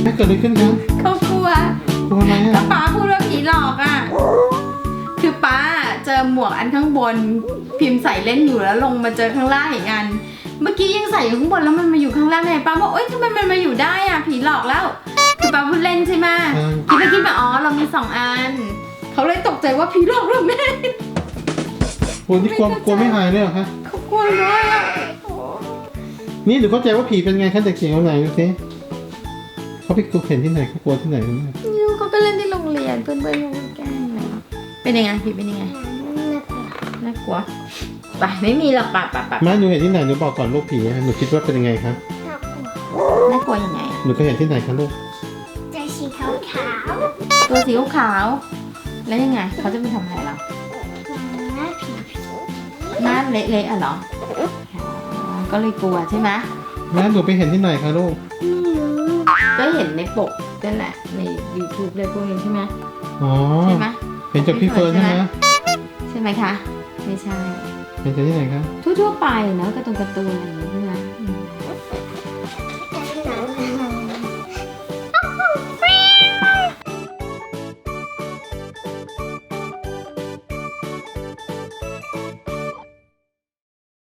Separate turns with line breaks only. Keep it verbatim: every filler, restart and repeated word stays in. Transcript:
แม่เกิดอะไรขึ้นครับ
เขากลัว
กลัวอะไร
ก็
อ่ะ
ป้าพูดว่าผีหลอกอ่ะคือป้าเจอหมวกอันข้างบนพิมพ์ใส่เล่นอยู่แล้วลงมาเจอข้างล่างอีกอันเมื่อกี้ยังใส่อยู่ข้างบนแล้วมันมาอยู่ข้างล่างไงป้าบอกเอ้ยทำไมมันมาอยู่ได้อ่ะผีหลอกแล้วคือป้าพูดเล่นใช่ไหมคิดไปคิดมาอ๋อเรามีสองอันเขาเลยตกใจว่าผีหลอกเราแม่
กลัวที่กลัวกลัวไม่หายเลยเหรอคะ
เขากลัวเลยอ่ะ
นี่หรือเข้าใจว่าผีเป็นไงคะเด็กเสียงเอาไหนดูสิเขาไปกลัวเห็นที่ไหนเขากลัวที่ไหนรู้ไหม
ยูเขาก็เล่นที่โรงเรียนเพื่อนเพื่อนเขาแกล้งเลยเป็นยังไงผีเป็นยังไงน่ากลัวไปไม่มีหรอกปะปะปะ
แม่หนูเห็นที่ไหนหนูบอกก่อนลูกผีอะหนูคิดว่าเป็นยังไงครับ
น่ากลัวยังไง
หนูเคยเห็นที่ไหนคะลูก
ใจสีขาวขาว
ตัวสีขาวๆแล้วยังไงเขาจะไปทำอะไรเรา
หน้าผี
หน้าเละๆอ่ะเหรออ๋อก็เลยกลัวใช่ไหม
แม่หนูไปเห็นที่ไหนคะลูก
ก็เห็นในปกนั่นแหละใน YouTube เลยพวกนี้ใช่ไหม
อ๋อ
ใช่ไหม
เห็นจากพี่เฟิร์นใช่ไหม
ใช่ไหมคะไม่ใช่
เห็นจากที่ไหนคะ
ทั่วๆไปเนอะการ์ตูนการ์ตูนอะไรอย่างนี้